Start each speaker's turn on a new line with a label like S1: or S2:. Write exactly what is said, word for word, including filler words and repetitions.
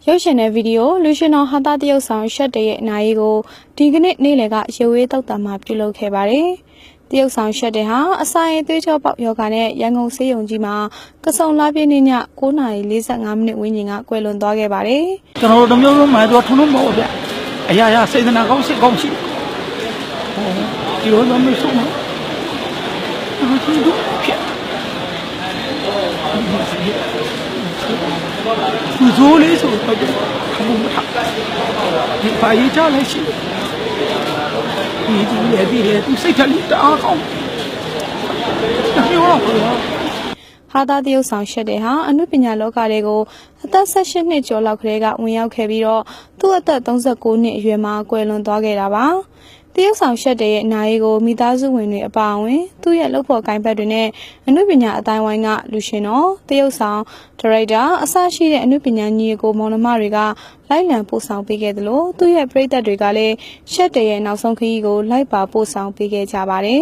S1: ရုပ်ရှင်တဲ့ဗီဒီယိုလူရှင်တော်ဟာတာတရုတ်ဆောင်ရှက်တရဲ့အနာရီကိုဒီကနေ့နေ့လယ်ကရုပ်ရည်တောက်တာမှာပြုလုပ်ခဲ့ပါတယ်။တရုတ်ဆောင်ရှက်တဲ့ဟာအစာရင်သွေးကြောပေါက်ယောဂနဲ့ရန်ကုန်ဆေးရုံကြီးမှာကစုံလာပြည့်နေ့ည၉နာရီ၄၅မိနစ်ဝန်းကျင်ကကွယ်လွန်သွားခဲ့ပါတယ်
S2: ။ကျွန်တော်တို့မျိုးလုံးမှာတော့ထုံးလုံးမဟုတ်ဗျ။အရာရာစေတနာကောင်းစိတ်ကောင်းရှိ။ဟောဒီလိုတော့မဆုံးဘူး။အဲ့ဒီတော့ဖြစ်။သူဇိုးလေးဆိုတော့ခမုံမထ။ဒီပါရေးချလိုက်ရှိ။ဒီဒီလေဒီလေသူစိတ်ထက်တအားကောင်း။ဒါပြောတော့
S1: ဟာတာတရုတ်ဆောင်ရှက်တဲ့ဟာအနုပညာလောကတွေကိုအသက်၁၈နှစ်ကျော်လောက်ကလေးကဝင်ရောက်ခဲ့ပြီးတော့သူ့အသက်၃၉နှစ်အရွယ်မှာကွယ်လွန်သွားခဲ့တာပါတရုတ်ဆောင်ရှက်တဲ့ရဲ့အနာရီကိုမိသားစုဝင်တွေအပါအဝင်သူ့ရဲ့လုပ်ဖော်ကိုင်ဘက်တွေနဲ့အနုပညာအတိုင်းဝိုင်းကလူရှင်တော်တရုတ်ဆောင်ဒါရိုက်တာအစရှိတဲ့အနုပညာညီကိုမောင်နှမတွေကလိုက်လံပို့ဆောင်ပေးခဲ့သလိုသူ့ရဲ့ပရိသတ်တွေကလည်းရှက်တဲ့ရဲ့နောက်ဆုံးခရီးကိုလိုက်ပါပို့ဆောင်ပေးခဲ့ကြပါတယ်